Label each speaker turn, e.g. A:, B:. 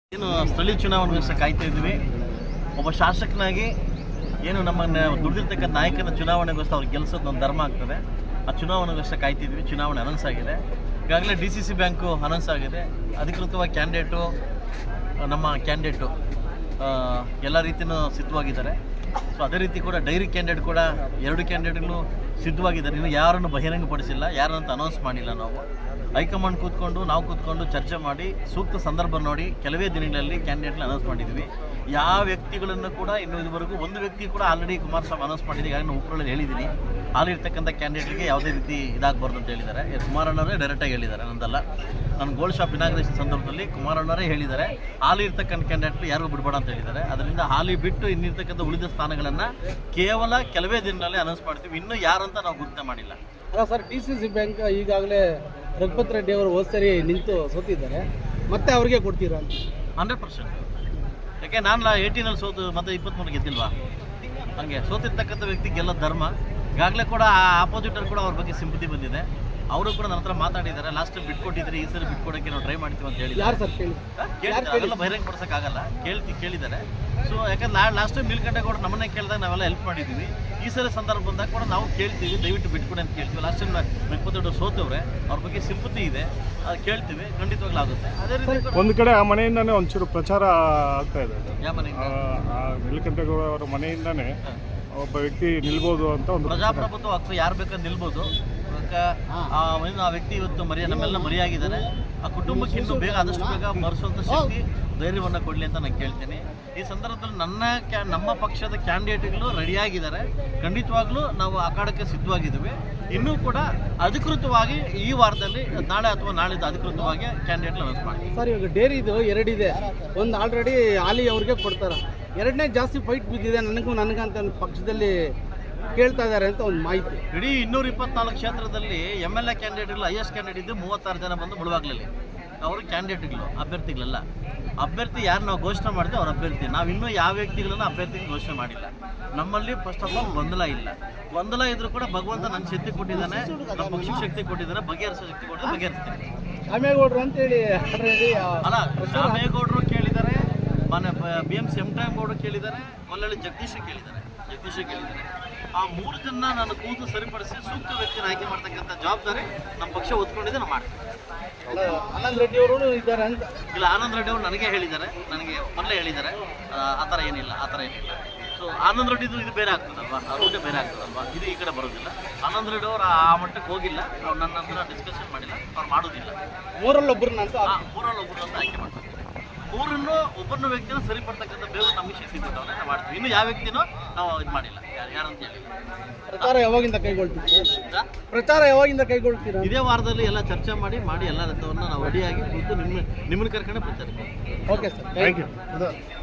A: ಏನು ಸ್ಥಳೀಯ ಚುನಾವಣೆಗೋಸ್ಕರ ಕಾಯ್ತಾ ಇದ್ವಿ. ಒಬ್ಬ ಶಾಸಕನಾಗಿ ಏನು ನಮ್ಮನ್ನು ದುಡಿದಿರ್ತಕ್ಕಂಥ ನಾಯಕನ ಚುನಾವಣೆಗೋಸ್ಕರ ಅವ್ರು ಗೆಲ್ಲಿಸೋದು ಒಂದು ಧರ್ಮ ಆಗ್ತದೆ. ಆ ಚುನಾವಣೆಗೋಸ್ಕರ ಕಾಯ್ತಿದ್ವಿ. ಚುನಾವಣೆ ಅನೌನ್ಸ್ ಆಗಿದೆ. ಈಗಾಗಲೇ DCC ಬ್ಯಾಂಕು ಅನೌನ್ಸ್ ಆಗಿದೆ. ಅಧಿಕೃತವಾಗಿ ಕ್ಯಾಂಡಿಡೇಟು ನಮ್ಮ ಕ್ಯಾಂಡಿಡೇಟು ಎಲ್ಲ ರೀತಿಯೂ ಸಿದ್ಧವಾಗಿದ್ದಾರೆ. ಸೊ ಅದೇ ರೀತಿ ಕೂಡ ಡೈರಿ ಕ್ಯಾಂಡಿಡೇಟ್ ಕೂಡ 2 ಕ್ಯಾಂಡಿಡೇಟ್ಗಳು ಸಿದ್ಧವಾಗಿದ್ದಾರೆ. ಇನ್ನು ಯಾರನ್ನು ಬಹಿರಂಗಪಡಿಸಿಲ್ಲ, ಯಾರಂತ ಅನೌನ್ಸ್ ಮಾಡಿಲ್ಲ. ನಾವು ಹೈಕಮಾಂಡ್ ನಾವು ಕೂತ್ಕೊಂಡು ಚರ್ಚೆ ಮಾಡಿ ಸೂಕ್ತ ಸಂದರ್ಭ ನೋಡಿ ಕೆಲವೇ ದಿನಗಳಲ್ಲಿ ಕ್ಯಾಂಡಿಡೇಟ್ನ ಅನೌನ್ಸ್ ಮಾಡಿದ್ವಿ. ಯಾವ ವ್ಯಕ್ತಿಗಳನ್ನು ಕೂಡ ಇನ್ನೂ ಇದುವರೆಗೂ ಒಂದು ವ್ಯಕ್ತಿ ಕೂಡ ಆಲ್ರೆಡಿ ಕುಮಾರಸ್ವಾಮಿ ಅನೌನ್ಸ್ ಮಾಡಿದ್ದೀವಿ. ಈಗಾಗಲೇ ಉಪ್ಪರಲ್ಲಿ ಹೇಳಿದ್ದೀನಿ, ಹಾಲಿರ್ತಕ್ಕಂಥ ಕ್ಯಾಂಡಿಡೇಟ್ಗೆ ಯಾವುದೇ ರೀತಿ ಇದಾಗಬಾರ್ದು ಅಂತ ಹೇಳಿದ್ದಾರೆ. ಕುಮಾರಣ್ಣವರೇ ಡೈರೆಕ್ಟಾಗಿ ಹೇಳಿದ್ದಾರೆ, ನಂದಲ್ಲ. ನಾನು ಗೋಲ್ಡ್ ಶಾಪ್ ಇನಾಗ್ರೇಷನ್ ಸಂದರ್ಭದಲ್ಲಿ ಕುಮಾರಣ್ಣವರೇ ಹೇಳಿದ್ದಾರೆ, ಹಾಲಿ ಇರ್ತಕ್ಕಂಥ ಕ್ಯಾಂಡಿಡೇಟ್ಗಳು ಯಾರಿಗೂ ಬಿಡಬೇಡ ಅಂತ ಹೇಳಿದ್ದಾರೆ. ಅದರಿಂದ ಹಾಲಿ ಬಿಟ್ಟು ಇನ್ನಿರ್ತಕ್ಕಂಥ ಉಳಿದ ಸ್ಥಾನಗಳನ್ನು ಕೇವಲ ಕೆಲವೇ ದಿನಗಳಲ್ಲಿ ಅನೌನ್ಸ್ ಮಾಡ್ತೀವಿ. ಇನ್ನೂ ಯಾರಂತ ನಾವು ಗುರುತ ಮಾಡಿಲ್ಲ.
B: ಅಲ್ಲ ಸರ್, DCC ಬ್ಯಾಂಕ್ ಈಗಾಗಲೇ ರಘುಪತ್ ರೆಡ್ಡಿ ಅವರು ಹೋದ ಸರಿ ನಿಂತು ಸೋತಿದ್ದಾರೆ, ಮತ್ತೆ ಅವ್ರಿಗೆ ಕೊಡ್ತೀರಾ ಅಂತ?
A: 100%. ಯಾಕೆ ನಾನು 18ನಲ್ಲಿ ಸೋತು ಮತ್ತೆ 23 ಗೆದ್ದಿಲ್ವಾ? ಹಾಗೆ ಸೋತಿರ್ತಕ್ಕಂಥ ವ್ಯಕ್ತಿ ಗೆಲ್ಲೋದು ಧರ್ಮ. ಈಗಾಗಲೇ ಕೂಡ ಆಪೋಸಿಟರ್ ಕೂಡ ಅವ್ರ ಬಗ್ಗೆ ಸಿಂಪತಿ ಬಂದಿದೆ. ಅವರು ಕೂಡ ನನ್ನ ಹತ್ರ ಮಾತಾಡಿದ್ದಾರೆ. ಲಾಸ್ಟ್ ಟೈಮ್ ಬಿಟ್ಕೊಟ್ಟಿದ್ದಾರೆ, ಈ ಸರಿ ಬಿಟ್ಕೊಡೋಕ್ಕೆ ನಾವು ಟ್ರೈ ಮಾಡ್ತೀವಿ ಅಂತ ಹೇಳಿ.
B: ಯಾರು ಸರ್
A: ಅದೆಲ್ಲ ಬಹಿರಂಗ ಪಡಿಸೋಕ್ಕಾಗಲ್ಲ, ಕೇಳಿದ್ದಾರೆ. ಸೊ ಯಾಕಂದ್ರೆ ಲಾಸ್ಟ್ ಟೈಮ್ ನೀಲಕಂಠೇಗೌಡ ನಮ್ಮನ್ನೇ ಕೇಳಿದಾಗ ನಾವೆಲ್ಲ ಹೆಲ್ಪ್ ಮಾಡಿದ್ದೀವಿ. ಈ ಸಲ ಸಂದರ್ಭ ಬಂದಾಗ ಕೂಡ ನಾವು ಕೇಳ್ತೀವಿ, ದಯವಿಟ್ಟು ಬಿಟ್ಕೊಡಿ ಅಂತ ಕೇಳ್ತೀವಿ. ಲಾಸ್ಟ್ ಟೈಮ್ 22 ಸೋತವ್ರೆ, ಅವ್ರ ಬಗ್ಗೆ ಸಿಂಪತಿ ಇದೆ, ಅದು ಕೇಳ್ತೀವಿ, ಖಂಡಿತವಾಗ್ಲೂ ಆಗುತ್ತೆ. ಅದೇ ರೀತಿ
C: ಒಂದು ಕಡೆ ಆ ಮನೆಯಿಂದಾನೇ ಒಂಚೂರು ಪ್ರಚಾರ ಆಗ್ತಾ ಇದೆ.
A: ಯಾವ ಮನೆಯಿಂದ?
C: ನೀಲಕಂಠೇಗೌಡ ಅವರ ಮನೆಯಿಂದಾನೇ ಒಬ್ಬ ವ್ಯಕ್ತಿ ನಿಲ್ಬೋದು ಅಂತ ಒಂದು
A: ಪ್ರಜಾಪ್ರಭುತ್ವ ಹಕ್ಕು ಯಾರು ಬೇಕಾದ್ರೆ ನಿಲ್ಬೋದು. ಆ ವ್ಯಕ್ತಿ ಇವತ್ತು ನಮ್ಮೆಲ್ಲ ಮರೆಯಾಗಿದ್ದಾನೆ. ಆ ಕುಟುಂಬಕ್ಕೆ ಇನ್ನೂ ಬೇಗ ಆದಷ್ಟು ಬೇಗ ಮರೆಸುವಂಥ ಶಕ್ತಿ, ಧೈರ್ಯವನ್ನು ಕೊಡಲಿ ಅಂತ ನಾನು ಕೇಳ್ತೀನಿ. ಈ ಸಂದರ್ಭದಲ್ಲಿ ನಮ್ಮ ಪಕ್ಷದ ಕ್ಯಾಂಡಿಡೇಟ್ಗಳು ರೆಡಿಯಾಗಿದ್ದಾರೆ. ಖಂಡಿತವಾಗ್ಲೂ ನಾವು ಅಖಾಡಕ್ಕೆ ಸಿದ್ಧವಾಗಿದ್ದೀವಿ. ಇನ್ನೂ ಕೂಡ ಅಧಿಕೃತವಾಗಿ ಈ ವಾರದಲ್ಲಿ ನಾಳೆ ಅಥವಾ ನಾಳಿದ್ದು ಅಧಿಕೃತವಾಗಿ ಕ್ಯಾಂಡಿಡೇಟ್ ಅನೌನ್ಸ್ ಮಾಡಿ.
B: ಸರ್, ಇವಾಗ ಡೇರಿದು 2 ಇದೆ. ಒಂದು ಆಲ್ರೆಡಿ ಹಾಲಿ ಅವ್ರಿಗೆ ಕೊಡ್ತಾರೆ, 2ನೇ ಜಾಸ್ತಿ ಫೈಟ್ ಬಿದ್ದಿದೆ ನನಗಂತ ಪಕ್ಷದಲ್ಲಿ ಕೇಳ್ತಾ ಇದ್ದಾರೆ ಅಂತ ಒಂದು ಮಾಹಿತಿ.
A: ಇಡೀ 224 ಕ್ಷೇತ್ರದಲ್ಲಿ MLA ಕ್ಯಾಂಡಿಡೇಟ್ಗಳು ಹೈಯೆಸ್ಟ್ ಕ್ಯಾಂಡಿಡೇಟ್ ಇದ್ದು 36 ಜನ ಬಂದು ಮುಳುವಾಗ್ಲಲ್ಲಿ. ಅವರು ಕ್ಯಾಂಡಿಡೇಟ್ಗಳು, ಅಭ್ಯರ್ಥಿಗಳಲ್ಲ. ಅಭ್ಯರ್ಥಿ ಯಾರು ನಾವು ಘೋಷಣೆ ಮಾಡ್ತೀವಿ ಅವ್ರ ಅಭ್ಯರ್ಥಿ. ನಾವು ಇನ್ನೂ ಯಾವ ವ್ಯಕ್ತಿಗಳನ್ನು ಅಭ್ಯರ್ಥಿಗೆ ಘೋಷಣೆ ಮಾಡಿಲ್ಲ. ನಮ್ಮಲ್ಲಿ ಫಸ್ಟ್ ಆಫ್ ಆಲ್ ಗೊಂದಲ ಇಲ್ಲ. ಗೊಂದಲ ಇದ್ರೂ ಕೂಡ ಭಗವಂತ ನನ್ನ ಶಕ್ತಿ ಕೊಟ್ಟಿದ್ದಾನೆ, ನಮ್ಮ ಪಕ್ಷಕ್ಕೆ ಶಕ್ತಿ ಕೊಟ್ಟಿದ್ದಾನೆ, ಬಗೆಹರಿಸೋ ಶಕ್ತಿ ಕೊಟ್ಟಿದ್ದಾನೆ, ಬಗೆಹರಿಸ್ತೀನಿ.
B: ಶಾಮೇಗೌಡರು ಅಂತೇಳಿ
A: ಅಲ್ಲ, ಶಾಮೇಗೌಡರು ಕೇಳಿದ್ದಾರೆ, ಮೊನ್ನೆ BMC ಗೌಡರು ಕೇಳಿದ್ದಾರೆ, ಕೊಲ್ಲಳ್ಳಿ ಜಗದೀಶ ಕೇಳಿದ್ದಾರೆ. ಆ 3 ಜನ ನಾನು ಕೂತು ಸರಿಪಡಿಸಿ ಸೂಕ್ತ ವ್ಯಕ್ತಿನ ಆಯ್ಕೆ ಮಾಡ್ತಕ್ಕಂಥ ಜವಾಬ್ದಾರಿ ನಮ್ಮ ಪಕ್ಷ ಒತ್ಕೊಂಡಿದೆ, ನಾವು ಮಾಡ್ತೀವಿ.
B: ಆನಂದ್ ರೆಡ್ಡಿ ಅವರು ಇದ್ದಾರೆ ಅಂತ?
A: ಇಲ್ಲ, ಆನಂದ್ ರೆಡ್ಡಿ ಅವರು ನನಗೆ ಹೇಳಿದ್ದಾರೆ, ನನಗೆ ಮೊದಲೇ ಹೇಳಿದ್ದಾರೆ. ಆ ಥರ ಏನಿಲ್ಲ. ಸೊ ಆನಂದ್ ರೆಡ್ಡಿದು ಇದು ಬೇರೆ ಆಗ್ತದಲ್ವಾ, ರೂಟೇ ಬೇರೆ ಆಗ್ತದಲ್ವಾ, ಇದು ಈ ಕಡೆ ಬರೋದಿಲ್ಲ. ಆನಂದ್ ರೆಡ್ಡಿ ಅವರು ಆ ಮಟ್ಟಕ್ಕೆ ಹೋಗಿಲ್ಲ. ನಾವು ನನ್ನ ಹತ್ರ ಡಿಸ್ಕಷನ್ ಮಾಡಿಲ್ಲ, ಅವ್ರು ಮಾಡೋದಿಲ್ಲ.
B: 3ರಲ್ಲಿ ಒಬ್ಬರನ್ನ ಅಂತ
A: ಆಯ್ಕೆ ಮಾಡ್ತಾರೆ. 3 ಒಬ್ಬರನ್ನ ವ್ಯಕ್ತಿನ ಸರಿಪಡ್ತಕ್ಕಂಥ ಬೇಗ ನಮಗೆ ಶಕ್ತಿ ಕೊಟ್ಟವ್ರೆ, ನಾವು ಮಾಡ್ತೀವಿ. ಇನ್ನು ಯಾವ ವ್ಯಕ್ತಿನೂ ನಾವು ಇದು ಮಾಡಿಲ್ಲ, ಯಾರಂತ ಹೇಳಿ.
B: ಪ್ರಚಾರ ಯಾವಾಗಿಂದ ಕೈಗೊಳ್ತೀರಾ?
A: ಇದೇ ವಾರದಲ್ಲಿ ಎಲ್ಲ ಚರ್ಚೆ ಮಾಡಿ ಎಲ್ಲ ರಥವನ್ನು ನಾವು ರೆಡಿಯಾಗಿ ಕೂತು ನಿಮ್ಮನ್ನು ಕರ್ಕೊಂಡು ಬರ್ತಾರೆ.
B: Okay sir, thank you.